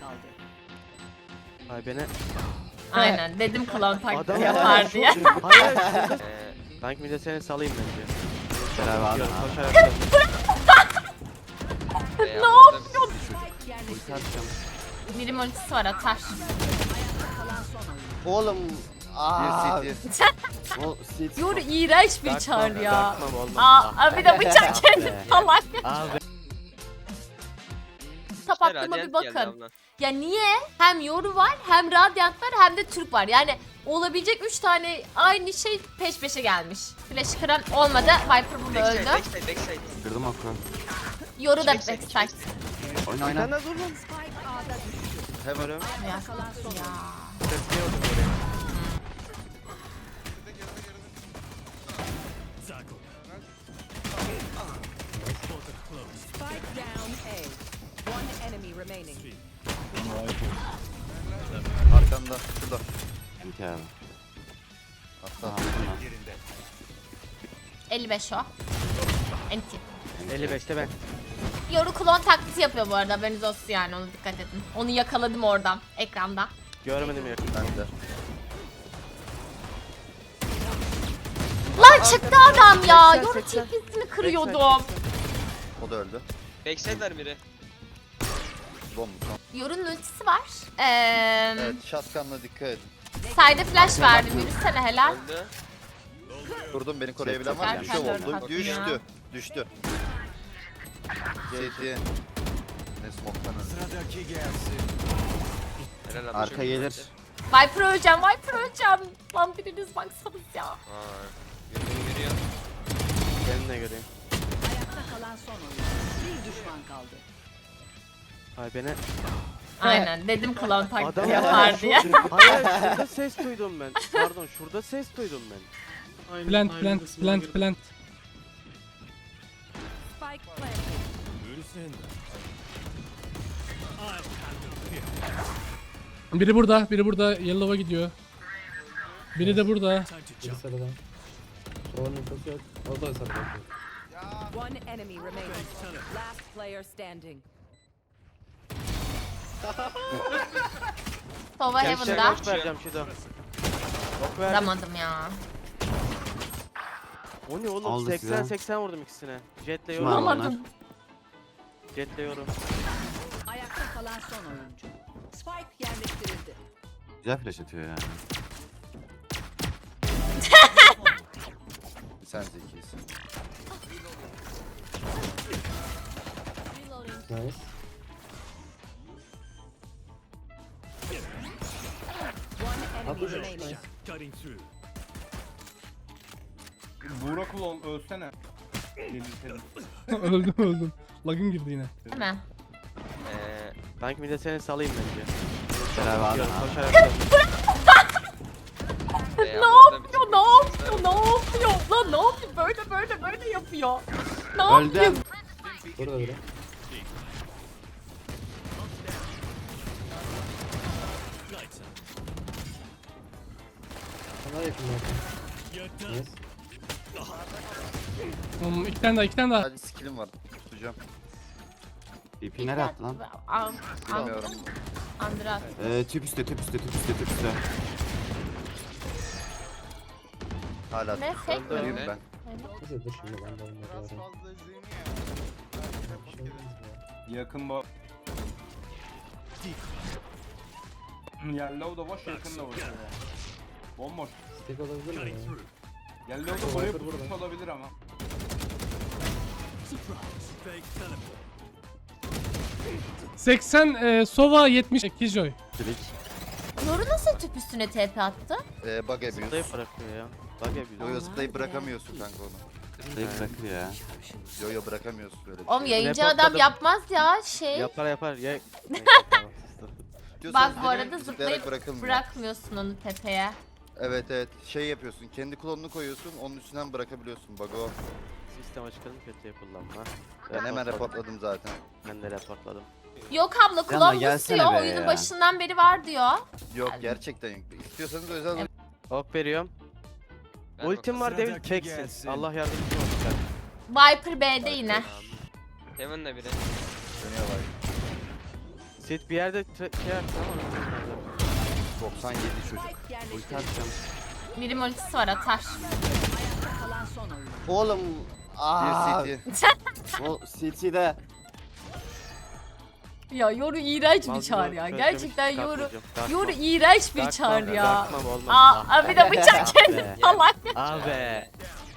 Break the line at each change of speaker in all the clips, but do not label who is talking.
kaldı.
Ay beni.
Aynen dedim klon taklidi
Adam
yapar diye.
Hayır. Sanki bir de seni salayım bence.
Beraber abi.
Koşarak dön.
Ne yapıyorsun?
Uçarsam.
Birim ultisi var atar.
Oğlum. Aaa.
Bir
O sit.
Yoru iğrenç bir çağır ya.
Dartmam olmaz.
Aa bir de bıçak kendi falan.
Abi.
Kitap aklıma bir bakın. Ya niye? Hem Yoru var, hem Radiant var, hem de Türk var. Yani olabilecek 3 tane aynı şey peş peşe gelmiş. Flash kıran olmadı. Viper burada öldü.
Backside.
Kırdım aklı.
Yoru da backside.
Oyna oyna.
Sen de dur lan.
Hemen.
Ya.
Bekliyordum oraya.
Spike down A. One enemy remaining.
Arkanda. Şurada.
MT abi.
Hatta.
55 o. Enti.
55'te ben.
Yoru klon taklidi yapıyor bu arada. Haberiniz olsun yani, ona dikkat edin. Onu yakaladım oradan, ekranda.
Görmedim yakın.
Ben de.
Lan çıktı adam ya.
80,
Yoru
80.
TP'sini kırıyordum.
O da öldü.
Backside'ler biri.
Bomba.
Yoru'nun ultisi var.
Evet, shotgun'la dikkat edin.
Side'e flash verdim. Yürüsene helal.
Öldü.
Durdum, beni koruyabilen var mı? Bir şey
Zaten dört
oldu.
hakkım ya.
Düştü. Düştü. CT. Ne smoke'tan öldü.
Helal abi.
Arka gelir.
Viper öleceğim, Viper öleceğim. Lan biriniz baksanız ya.
Aa. Yürüyor.
Seninle göreyim.
Ayakta kalan son oyuncu. Bir düşman kaldı.
Ay beni.
Aynen dedim klon taklidi
Adam
yapar diye.
Hayır şurada ses duydum ben. Pardon şurada ses duydum ben.
Plant.
Spike planted.
Biri burada, Yellow'a gidiyor. Biri de burada.
One enemy remaining. Last player standing.
Sova
Gençler
Heaven'da.
boş vereceğim Şido. Bok verdim.
Vuramadım ya.
O ne oğlum
Aldı
80 vurdum ikisine. Jetle
Kim
yorum.
aldı?
Vuramadım.
Jetle yorum.
Ayakta kalan son oyuncu. Spike yerleştirildi.
Güzel flash atıyor yani.
Sen zekisin.
One enemy remaining.
Burak ulan ölsene. Delirtelim.
öldüm. Lag'ım girdi yine.
Değil mi?
Sanki bir de seni salayım bence.
Beraber abi.
Koşarak dön.
Ne yapıyor? Lan ne yapıyor? Böyle yapıyor. Ne
Öldü.
yapıyor?
İki tane daha.
Sadece skill'im var. Tutacağım.
TP nereye attı lan?
Bilmiyorum.
Andras.
Tüp üstte.
Hala
Ne,
tuttu.
fake mi?
Ölüyüm ben.
Yakın bu. Yellow da boş, yakın da boş. Bomboş. Yellow da buraya pusmuş olabilir ama.
Sova 70 Killjoy.
Klik.
Yoru nasıl tüp üstüne TP attı?
Bug abuse.
Zıplayıp bırakıyor ya. Bak ya
Yo zıplayıp bırakamıyorsun kanka onu.
Direkt bırakır ya.
Yo bırakamıyorsun böyle bir
Oğlum
şey.
yayıncı adam
Reportladım.
yapmaz ya şey.
Yapar. Ye.
Diyorsanız
Bak bu arada
direkt
zıplayıp
bırakılmıyor.
bırakmıyorsun onu tepeye.
Evet. Şey yapıyorsun. Kendi klonunu koyuyorsun. Onun üstünden bırakabiliyorsun. Bug o.
Sistem açıkladım kötüye kullanma.
Ben hemen reportladım zaten.
Ben de reportladım.
Yok abla
Yanına
kulağım
gelsene
istiyor.
be
Oyunun
ya.
başından beri var diyor.
Yok gerçekten yok. İstiyorsanız özel
Ok veriyorum. Ultim var Devil teksin. Allah yardımcın olsun.
Viper B'de yine.
Heaven'da biri.
dönüyor var.
Sit bir yerde şey yaptı ama.
97 çocuk.
Ulti atacağım.
Birim ultisi var atar.
Kalan son oyun.
Oğlum. Aa.
Bir CT.
O CT'de.
Ya Yoru iğrenç bir
Malzeme
çağır ya.
çözmüş,
Gerçekten
çıkartmayacağım.
Yoru iğrenç bir
Dark
çağır
Mom,
ya.
Dark Mom olmaz.
Aa bir de bıçak kendi salak.
Abi.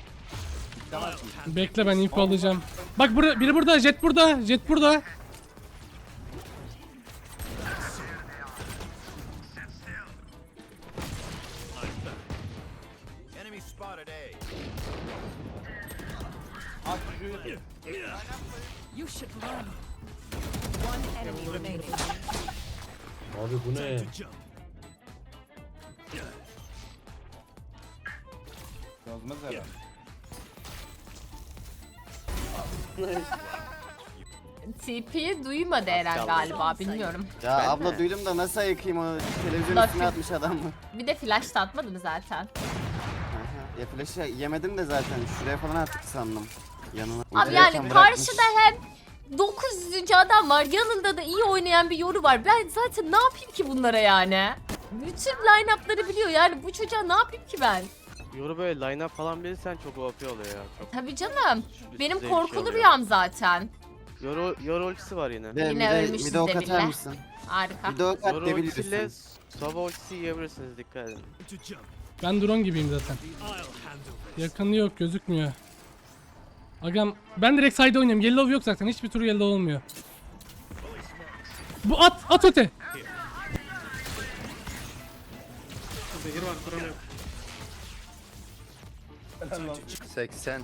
Bekle ben info alacağım. Bak biri burada, jet burada, jet burada.
At çocuğu.
You should run. One enemy remaining.
Abi bu ne?
Yazmaz herhalde.
TP'yi duymadı Eren galiba bilmiyorum.
Ya
Ben
abla
mi?
duydum da nasıl ayıkayım o televizyon
Bak-
üstüne atmış adam mı?
Bir de flash da atmadı mı zaten?
Ya flash'ı yemedim de zaten şuraya falan attık sandım. Yanına.
Abi
Ultideyken
yani
bırakmış.
karşıda hem 900. adam var yanında da iyi oynayan bir Yoru var. Ben zaten ne yapayım ki bunlara yani? Bütün line-up'ları biliyor yani bu çocuğa ne yapayım ki ben?
Yoru böyle line-up falan bilirsen çok OP oluyor ya. Çok
Tabii canım. Benim
zevkli
korkulu
oluyor.
rüyam zaten.
Yoru ultisi var yine.
De,
Yine
bir de-
ölmüşüz
bir de ok
Demir'le.
atar mısın?
Harika.
Bir de ok at
Yoru
de
ultisiyle
biliyorsun.
Sova ultisi yiyebilirsiniz, dikkat edin.
Ben drone gibiyim zaten. Yakını yok, gözükmüyor. Agam ben direkt side oynuyorum. Yellow yok zaten. Hiçbir tur yellow olmuyor. Bu at öte.
80.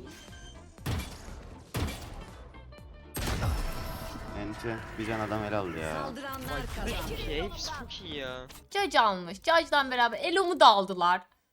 Ence bir can adam el aldı ya.
Saldıranlar kazandı.
Hepsi çok iyi ya.
Judge almış. Judge'dan beraber Elo'mu da aldılar.